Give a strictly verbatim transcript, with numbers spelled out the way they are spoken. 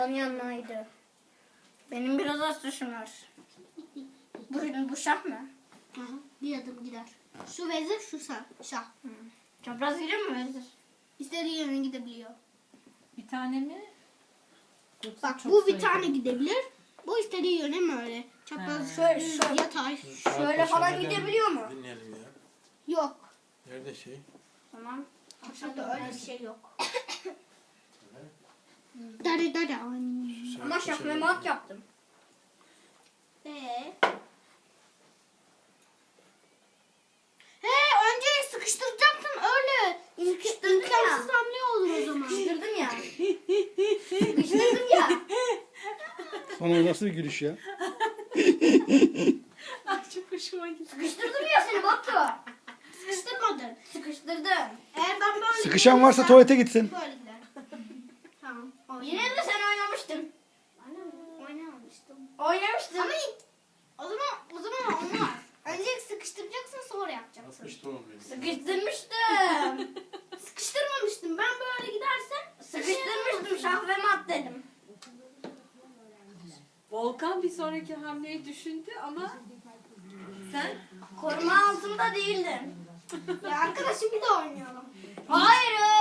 Yanmaydı. Benim biraz az tuşum var. Bu, bu şah mı? Hı hı. Bir adım gider. Şu vezir, şu şah. şah. Hı. Çapraz gidiyor mu vezir? İstediği yöne gidebiliyor. Bir tane mi? Yoksa Bak çok bu bir sayıda? tane gidebilir. Bu istediği yöne mi öyle? Çapraz, Ha. şöyle, Şöyle, şöyle, şöyle. yatay. Şöyle falan gidebiliyor mu? Dinleyelim ya. Yok. Nerede şey? Tamam. Aşağıda öyle bir şey yok. Dare dare. Şu Ama saat şah kaça ve mat yaptım. Ee? He, önce sıkıştıracaksın öyle. Sıkıştırdın İmkansız ya. hamle olur o zaman. Sıkıştırdım ya. Sıkıştırdım ya. Sana nasıl bir gülüş ya? Ay çok hoşuma gitti. Sıkıştırdım ya seni Batu. Sıkıştırmadın. Sıkıştırdım. Eğer ben böyle Sıkışan varsa gidersem tuvalete gitsin. böyle gider. Tamam. olsun. Yine de sen oynamıştın. Oynamamıştım. Oynamıştın. Ama o zaman o zaman olmaz. Önce sıkıştıracaksın sonra yapacaksın. Yapmış da olmuyor. Sıkıştırmıştım. Sıkıştırmamıştım. Ben böyle gidersem Sıkıştırmıştım şah ve mat dedim. Volkan bir sonraki hamleyi düşündü ama sen Koruma altında değildin. ya arkadaşım bir de oynayalım. Hayır.